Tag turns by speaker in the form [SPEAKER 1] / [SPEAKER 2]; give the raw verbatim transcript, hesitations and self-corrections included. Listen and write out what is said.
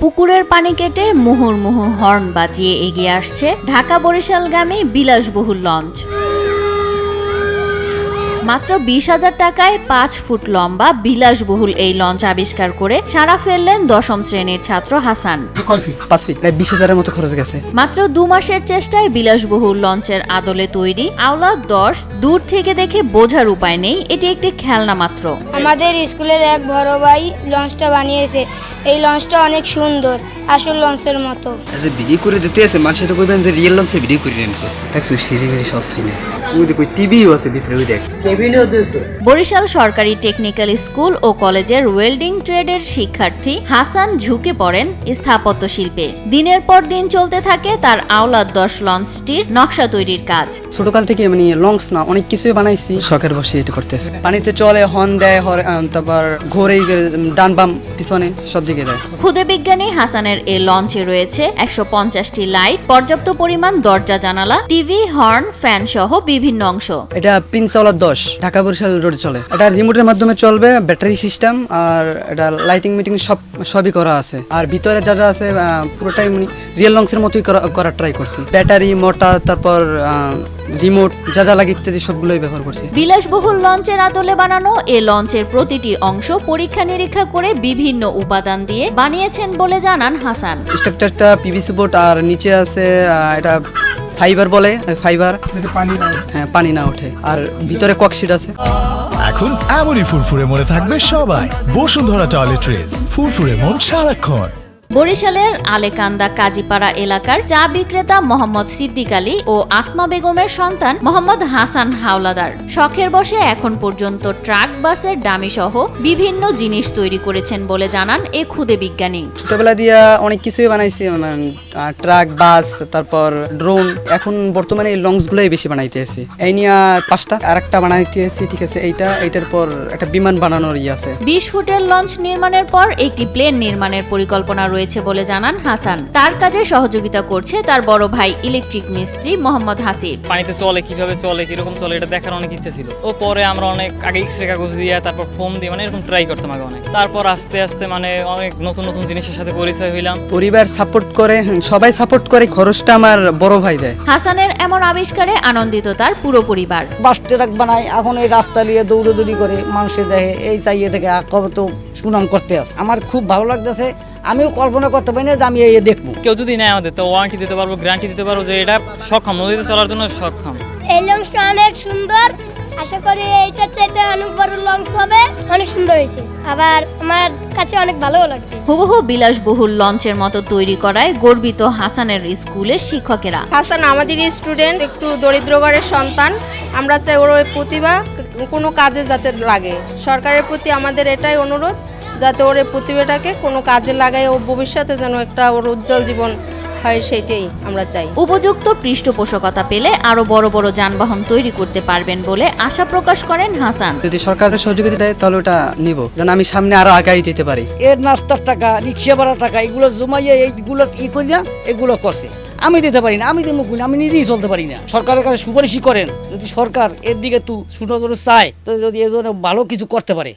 [SPEAKER 1] পুকুরের পানি কেটে মুহুর্মুহু হর্ন বাজিয়ে এগিয়ে আসছে ঢাকা বরিশালগামী বিলাসবহুল লঞ্চ। মাত্র বিশ হাজার টাকায় পাঁচ ফুট লম্বা বিলাসবহুল এই লঞ্চ আবিষ্কার করে সারা ফেললেন দশম শ্রেণীর ছাত্র হাসান।
[SPEAKER 2] পাঁচ ফিট প্রায় বিশ হাজারের মতো খরচ গেছে।
[SPEAKER 1] মাত্র দু মাসের চেষ্টায় বিলাসবহুল লঞ্চের আদলে তৈরি আওলা দশ দূর থেকে দেখে বোঝার উপায় নেই এটি একটি খেলনা মাত্র।
[SPEAKER 3] আমাদের স্কুলের এক বড় ভাই লঞ্চটা বানিয়েছে। এই লঞ্চটা অনেক সুন্দর, আসল লঞ্চের মতো।
[SPEAKER 2] যে ভিডিও করে দিতে আছে মানুষের তো কইবেন যে রিয়েল লঞ্চে ভিডিও করে নিয়েছে। দেখছো সিঁড়ি বেড়ি সব চিনে। ওই দেখো টিভিও আছে ভিতরে, ওই দেখ টেবিলও দিয়েছে।
[SPEAKER 1] বরিশাল সরকারি টেকনিক্যাল স্কুল ও কলেজের ওয়েল্ডিং ট্রেডের শিক্ষার্থী হাসান ঝুঁকে পড়েন স্থাপত্য শিল্পে। দিনের পর দিন চলতে থাকে তার আওলাদ দশ লঞ্চটির নকশা তৈরির কাজ।
[SPEAKER 2] ছোটকাল থেকে মানে লঞ্চ না অনেক কিছুই বানাইছি, শখের বসে এটা করতেছে। পানিতে চলে, হর্ন দেয়, তারপর ঘোরে, ডান বাম পিছনে সব দিকে দেয়।
[SPEAKER 1] খুদে বিজ্ঞানী হাসানের এই লঞ্চে রয়েছে একশো পঞ্চাশটি লাইট, পর্যাপ্ত পরিমাণ দরজা জানালা, টিভি, হর্ন, ফ্যান সহ বিভিন্ন অংশ।
[SPEAKER 2] এটা প্রিন্স আওলাদ দশ ঢাকা বরিশাল রোডে চলে। এটা রিমোটের মাধ্যমে চলবে, ব্যাটারি সিস্টেম, আর এটা লাইটিং মিটিং সব সবই করা আছে। আর ভিতরে যা যা আছে পুরোটাই রিয়েল লঞ্চের মতোই করার ট্রাই করছি। ব্যাটারি, মোটর, তারপর রিমোট যা যা লাগে ইত্যাদি সবগুলোই ব্যবহার করছি।
[SPEAKER 1] বিলাসবহুল লঞ্চের আদলে বানানো এ লঞ্চের প্রতিটি অংশ পরীক্ষা নিরীক্ষা করে বিভিন্ন উপাদান দিয়ে বানিয়েছেন বলে জানান হাসান।
[SPEAKER 2] স্ট্রাকচারটা পিভিসি বোর্ড, আর নিচে আছে এটা ফাইবার বলে, ফাইবার পানি না হ্যাঁ পানি না ওঠে। আর ভিতরে ককশিট আছে।
[SPEAKER 4] এখন এমনই ফুরফুরে মনে থাকবে সবাই। বসুন্ধরা টয়লেট্রিজ, ফুরফুরে মন সারাক্ষণ।
[SPEAKER 1] বরিশালের আলেকান্দা কাজীপাড়া এলাকার চা বিক্রেতা মোহাম্মদ সিদ্দিক আলী ও আসমা বেগমের সন্তান মোহাম্মদ হাসান হাওলাদার শখের বসে এখন পর্যন্ত ট্রাক, বাসের ডামি সহ বিভিন্ন জিনিস তৈরি করেছেন বলে জানান এ খুদে বিজ্ঞানী।
[SPEAKER 2] ছোটবেলা দিয়া অনেক কিছুই বানাইছি, ট্রাক, বাস, তারপর ড্রোন। এখন বর্তমানে এই লঞ্চ গুলোই বেশি বানাইতে আছি। এই নিয়ে পাঁচটা আর একটা বানাইতে আছি, ঠিক আছে। এইটা এইটার পর একটা বিমান বানানোর ইয়ে আছে।
[SPEAKER 1] বিশ ফুটের লঞ্চ নির্মাণের পর একটি প্লেন নির্মাণের পরিকল্পনা রয়েছে বলে জানান হাসান। তার কাজে সহযোগিতা করছে তার বড় ভাই ইলেকট্রিক মিস্ত্রি মোহাম্মদ হাসিব।
[SPEAKER 5] পানিতে চলে কিভাবে চলে, কিরকম চলে এটা দেখার অনেক ইচ্ছে ছিল। ও পরে আমরা অনেক আগে এক্সরে কাগজ দিয়ে, তারপর ফোম দিয়ে মানে এরকম ট্রাই করতাম আগে অনেক। তারপর আস্তে আস্তে মানে অনেক নতুন নতুন জিনিসের সাথে পরিচয় হইলাম।
[SPEAKER 2] পরিবার সাপোর্ট করে, সবাই সাপোর্ট করে, খরচটা আমার বড় ভাই দেয়।
[SPEAKER 1] হাসানের এমন আবিষ্কারে আনন্দিত তার পুরো পরিবার।
[SPEAKER 6] বাস ট্রাক বানায়, এখন এই রাস্তা নিয়ে দৌড়দৌড়ি করে মানুষের দেখে এই চাইয়ে থেকে কবে তো সুনাম করতে আছে। আমার খুব ভালো লাগতেছে। আমিও কল্পনা করতে পারি না যে আমি এই দেখবো।
[SPEAKER 5] কেউ যদি নেয় আমাদের তো ওয়ারেন্টি দিতে পারবো, গ্যারান্টি দিতে পারবো যে এটা সক্ষম, নদীতে চলার জন্য সক্ষম।
[SPEAKER 3] এই লঞ্চটা অনেক সুন্দর, আশা করি এইটার চাইতে অনেক বড় লঞ্চ হবে। অনেক সুন্দর হয়েছে, আবার আমার কাছে অনেক ভালোও লাগছে।
[SPEAKER 1] হুবহু বিলাসবহুল লঞ্চের মতো তৈরি করায় গর্বিত হাসানের স্কুলের শিক্ষকেরা।
[SPEAKER 7] হাসান আমাদের স্টুডেন্ট, একটু দরিদ্র ঘরের সন্তান। আমরা চাই ওর ওই প্রতিভা কোনো কাজে যাতে লাগে। সরকারের প্রতি আমাদের এটাই অনুরোধ, যাতে ওর এই প্রতিভাটাকে কোনো কাজে লাগায়, ও ভবিষ্যতে যেন একটা ওর উজ্জ্বল জীবন হয়, সেটাই আমরা চাই।
[SPEAKER 1] উপযুক্ত পৃষ্ঠপোষকতা পেলে আরো বড় বড় যানবাহন তৈরি করতে পারবেন বলে আশা প্রকাশ করেন হাসান।
[SPEAKER 2] যদি সরকারের সহযোগিতা দেয় তাহলে ওটা নিব, যেন আমি সামনে আরো আগাই যেতে পারি।
[SPEAKER 6] এর নাস্তার টাকা, রিক্সা ভাড়ার টাকা, এগুলো জমাইয়ে এইগুলো ই করি না, এগুলো করছে। আমি দিতে পারি না, আমি দেবো করি না, আমি নিজেই চলতে পারি না। সরকারের কাছে সুপারিশই করেন, যদি সরকার এর দিকে তু সুন্দর চায় তো যদি এ ধরনের ভালো কিছু করতে পারে।